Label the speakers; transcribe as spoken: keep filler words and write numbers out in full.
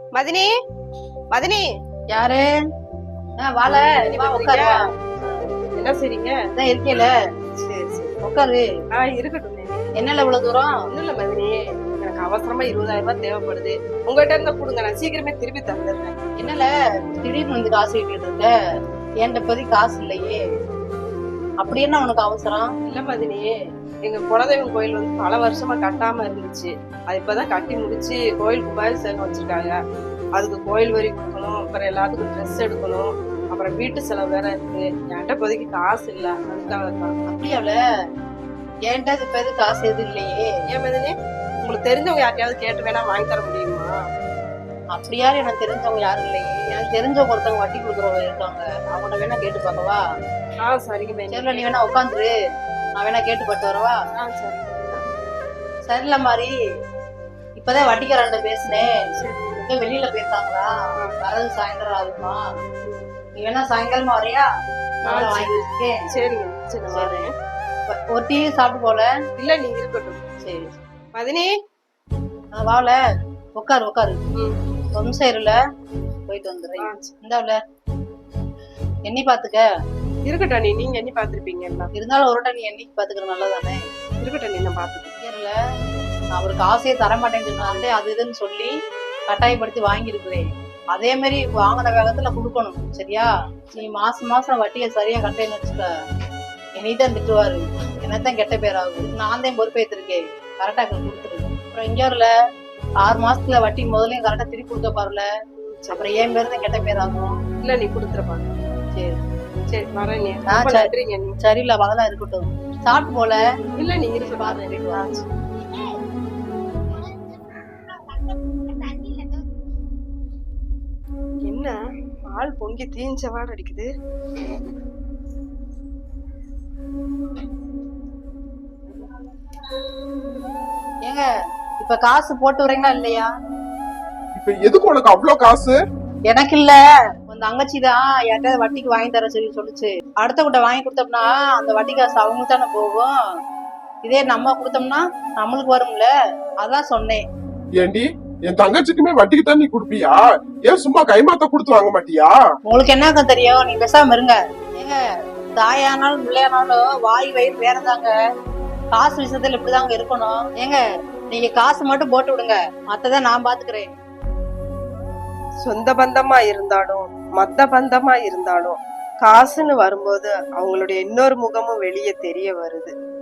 Speaker 1: மதினி, மதினி.
Speaker 2: யாரு? வாழ உட்காரு.
Speaker 1: என்ன செய்றீங்க?
Speaker 2: அதான் இருக்கேல.
Speaker 1: சரி சரி
Speaker 2: உட்காரு.
Speaker 1: ஆ இருக்கட்டும்.
Speaker 2: என்னல இவ்வளவு தூரம்?
Speaker 1: ஒண்ணும் இல்ல மதினி, எனக்கு அவசரமா இருபதாயிரம் ரூபாய் தேவைப்படுது. உங்ககிட்ட இருந்தா கொடுங்க, நான் சீக்கிரமே திருப்பி தந்துடுறேன்.
Speaker 2: என்னல திடீர்னு வந்து காசு கேட்டுட்டு இருக்க? என்கிட்ட இப்போதைக்கு காசு இல்லையே. அப்படி என்ன உனக்கு அவசரம்?
Speaker 1: இல்ல மதினி, எங்க குலதெய்வம் கோயில் வந்து பல வருஷமா கட்டாம இருந்துச்சு. அது இப்பதான் கட்டி முடிச்சு கோயில் குபாயில் செலவு வச்சிருக்காங்க. அதுக்கு கோயில் வரி கொடுக்கணும், அப்புறம் எல்லாத்துக்கும் ட்ரெஸ் எடுக்கணும், அப்புறம் வீட்டு செலவு வேற இருக்கு. என்கிட்ட இப்போதைக்கு காசு இல்ல, அதுக்காக தான்.
Speaker 2: அப்படியாவல? என்கிட்ட இப்ப எது காசு எதுவும் இல்லையே.
Speaker 1: ஏன் மதினி, உங்களுக்கு தெரிஞ்சவங்க யார்ட்டையாவது கேட்டு வேணா வாங்கி தர முடியுமா?
Speaker 2: அப்படி யாரும் எனக்கு தெரிஞ்சவங்க யாரும் இல்லையே. எனக்கு தெரிஞ்சவங்க ஒருத்தவங்க வட்டி கொடுக்குறவங்க இருக்காங்க, அவங்கள்ட்ட வேணா கேட்டு பார்க்கவா?
Speaker 1: ஆ சரிங்க மதினி.
Speaker 2: சரில, நீ வேணா உட்காந்துரு, நான் வேணா கேட்டு பார்த்து வரவா?
Speaker 1: ஆ சரி.
Speaker 2: சரில மாதிரி இப்பதான் வட்டிக்காரன்ட்ட பேசினேன். எங்க வெளியில போயிருக்காங்களா? வரது சாயந்தரம் ஆகுமா? நீ வேணா சாயங்காலமா வரையா? நான் வாங்கி வச்சிருக்கேன்.
Speaker 1: சரிங்க சரி நான் வரேன்.
Speaker 2: ஒரு டீ சாப்பிட்டு போல.
Speaker 1: இல்ல நீங்க இருக்கட்டும்.
Speaker 2: சரி
Speaker 1: மதினி,
Speaker 2: வாவல உட்காரு உட்காரு.
Speaker 1: ம்
Speaker 2: ஒரு நிமிஷம் இருல, போயிட்டு வந்துடுறேன். இந்தாவுல எண்ணி பாத்துக்க.
Speaker 1: இருக்கட்டும் நீ, நீங்க எண்ணி பாத்துருப்பீங்க.
Speaker 2: இருந்தாலும் ஒரு டைம் நீ எண்ணி பாத்துக்கிற நல்லதானே?
Speaker 1: இருக்கட்டும் நீ, நான் பாத்துக்கிறேன்.
Speaker 2: இருல, நான் அவருக்கு ஆசையை தரமாட்டேன்னு சொன்னாலே அது இதுன்னு சொல்லி கட்டாயப்படுத்தி வாங்கியிருக்கிறேன். அதே மாதிரி வாங்கின வேகத்துல கொடுக்கணும், சரியா? நீ மாசம் மாசம் வட்டியை சரியா கட்டேன்னு வச்சுக்க, என்னைதான் திட்டுவாரு, என்னத்தான் கெட்ட பேர் ஆகும். நான் தான் பொறுப்பேற்றிருக்கேன், கரெக்டா கொடுத்துரு. அப்புறம் இங்க வரல, ஆறு மாசத்துல வட்டி முதலையும் கரெக்டா திருப்பி கொடுக்க பாருல, அப்புறம் ஏன் பேரு தான் கெட்ட பேர் ஆகும்.
Speaker 1: இல்ல நீ கொடுத்துருப்பாங்க.
Speaker 2: சரி
Speaker 1: சரி வரேன் நீ.
Speaker 2: சரியில்ல, அதெல்லாம் இருக்கட்டும். சாப்பிட்டு போல.
Speaker 1: இல்ல நீ இருக்கு பாரு. என்ன பால் பொங்கி தீஞ்ச வாட அடிக்குது?
Speaker 2: ஏங்க இப்ப காசு போட்டு வரீங்களா இல்லையா?
Speaker 3: இப்ப எதுக்கு உனக்கு அவ்வளவு காசு?
Speaker 2: எனக்கு இல்ல, உன் தங்கச்சி தான் யார்கிட்ட வட்டிக்கு வாங்கி தர சொல்லி சொல்லுச்சு. அடுத்த கிட்ட வாங்கி கொடுத்தோம்னா அந்த வட்டி காசு அவங்களுக்கு தானே போகும். இதே நம்ம கொடுத்தோம்னா நம்மளுக்கு வரும்ல, அதான் சொன்னேன்.
Speaker 3: ஏண்டி, என் தங்கச்சிக்குமே வட்டிக்கு தான் நீ குடுப்பியா? ஏன் சும்மா கைமாத்த கொடுத்து வாங்க மாட்டியா?
Speaker 2: உங்களுக்கு என்னங்க தெரியும், நீ பேசாம இருங்க. ஏங்க தாயானாலும் பிள்ளையானாலும் வாய் வயிறு வேறதாங்க. காசு விஷயத்துல இப்படிதாங்க இருக்கணும். ஏங்க நீங்க காசு மட்டும் போட்டு விடுங்க, மத்ததான் நான் பாத்துக்கிறேன்.
Speaker 1: சொந்த பந்தமா இருந்தாலும் மத்த பந்தமா இருந்தாலும் காசுன்னு வரும்போது அவங்களுடைய இன்னொரு முகமும் வெளியே தெரிய வருது.